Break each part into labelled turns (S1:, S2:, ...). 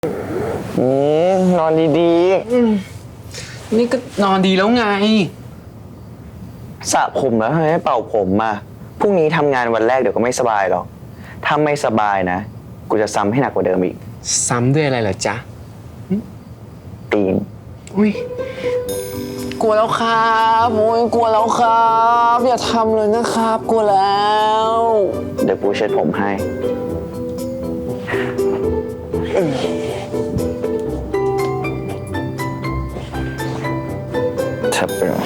S1: นอนดี
S2: นี่ก็นอนดีแล้วไง
S1: ๆสระผมแล้วทำไมไม่เป่าผมมาพรุ่งนี้ทำงานวันแรกเดี๋ยวก็ไม่สบายหรอกถ้าไม่สบายนะกูจะซ้ำให้หนักกว่าเดิมอีก
S2: ซ้ำด้วยอะไรเหรอจ๊ะ
S1: ตีน
S2: อุ้ยกลัวแล้วครับโอ้ยกลัวแล้วครับอย่าทำเลยนะครับกลัวแล้ว
S1: เดี๋ยวกูเช็ดผมให้ทับไปหน่อย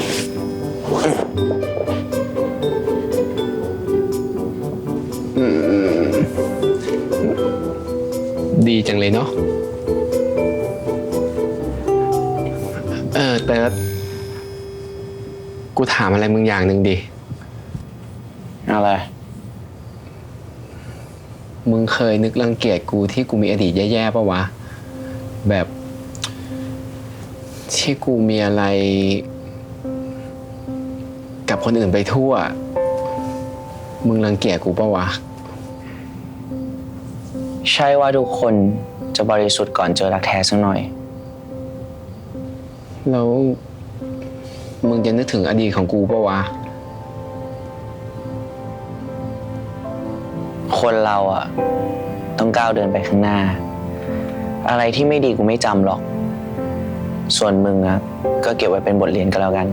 S2: ดีจังเลยเนาะเติร์ดกูถามอะไรมึงอย่างหนึ่งดิ
S1: อะไร
S2: มึงเคยนึกรังเกียจกูที่กูมีอดีตแย่ๆป่ะวะแบบที่กูมีอะไรกับคนอื่นไปทั่วมึงรังเกียจกูป่ะวะ
S1: ใช่ว่าทุกคนจะบริสุทธิ์ก่อนเจอรักแท้สักหน่อย
S2: แล้วมึงจะนึกถึงอดีตของกูป่ะวะ
S1: คนเราอะต้องก้าวเดินไปข้างหน้าอะไรที่ไม่ดีกูไม่จำหรอกส่วนมึงอะก็เก็บไว้เป็นบทเรียนก็แล้วกัน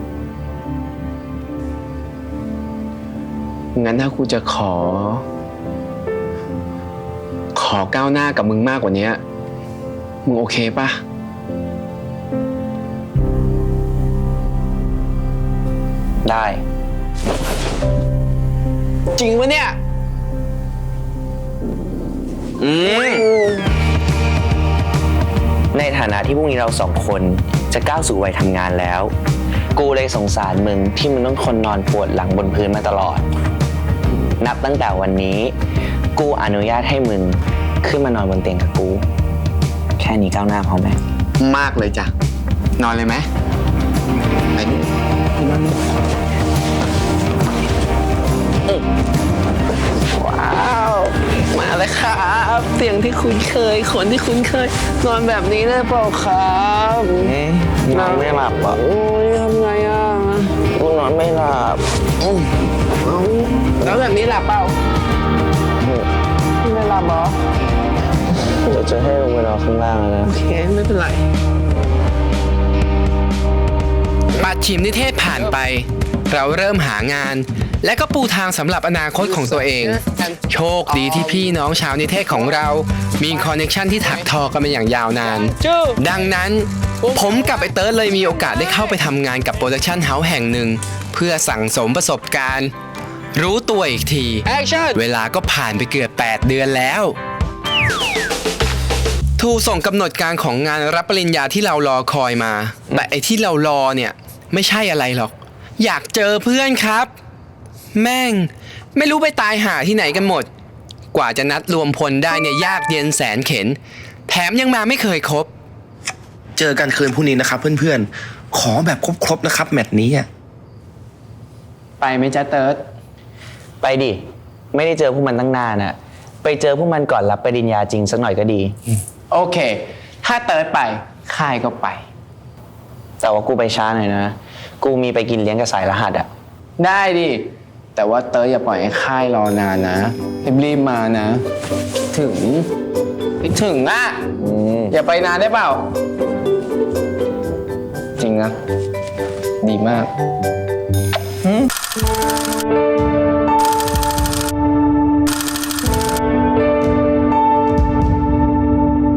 S2: งั้นถ้ากูจะขอก้าวหน้ากับมึงมากกว่านี้มึงโอเคป่ะ
S1: ได้
S2: จริงปะเนี่ย
S1: ในฐานะที่พรุ่งนี้เราสองคนจะก้าวสู่วัยทำงานแล้วกูเลยสงสารมึงที่มึงต้องทนนอนปวดหลังบนพื้นมาตลอดนับตั้งแต่วันนี้กูอนุญาตให้มึงขึ้นมานอนบนเตียงกับกูแค่นี้ก้าวหน้าพอไหม
S2: มากเลยจ้ะนอนเลยไหมไปดินอนว้าวมาเลยครับเตียงที่คุ้นเคยคนที่คุ้นเคยนอนแบบนี้ได้เปล่าครับ
S1: นอนไม่หลับอ่ะ
S2: โอ้ยทำไงอ่ะ
S1: กูนอนไม่หลับ
S2: แล้วแบบนี้หลับเปล่าไม่หลับหรอ
S1: เดี๋ยวจะให้ลงไปนอนข้างล่างนะ
S2: โอเคไม่เป็นไรปัดฉิมนิเทศผ่านไปเราเริ่มหางานและก็ปูทางสำหรับอนาคตของตัวเองโชคดีที่พี่น้องชาวนิเทศของเรามีคอนเนคชั่นที่ถักทอกันมาอย่างยาวนานดังนั้นผมกับไอเติร์ดเลยมีโอกาสได้เข้าไปทำงานกับโปรดักชั่นเฮ้าส์แห่งหนึ่งเพื่อสั่งสมประสบการณ์รู้ตัวอีกทีเวลาก็ผ่านไปเกือบ8 เดือนแล้วถูกส่งกำหนดการของงานรับปริญญาที่เรารอคอยมาแต่ไอที่เรารอเนี่ยไม่ใช่อะไรหรอกอยากเจอเพื่อนครับแม่งไม่รู้ไปตายหาที่ไหนกันหมดกว่าจะนัดรวมพลได้เนี่ยยากเย็นแสนเข็ญแถมยังมาไม่เคยครบ
S3: เจอกันคืนพรุ่งนี้นะครับเพื่อนๆขอแบบครบๆนะครับแมตช์นี้
S2: ไปไหมจ๊ะเติร์ด
S1: ไปดิไม่ได้เจอพวกมันตั้งนานอะไปเจอพวกมันก่อนรับปริญญาจริงสักหน่อยก็ดี
S2: โอเคถ้าเติร์ดไปค่ายก็ไป
S1: แต่ว่ากูไปช้าหน่อยนะกูมีไปกินเลี้ยงกับสายรหัสอะ
S2: ได้ดิแต่ว่าเติร์ดอย่าปล่อยให้ค่ายรอนานนะรีบมานะถึงอ่ะอย่าไปนานได้เปล่าจริงนะดีมาก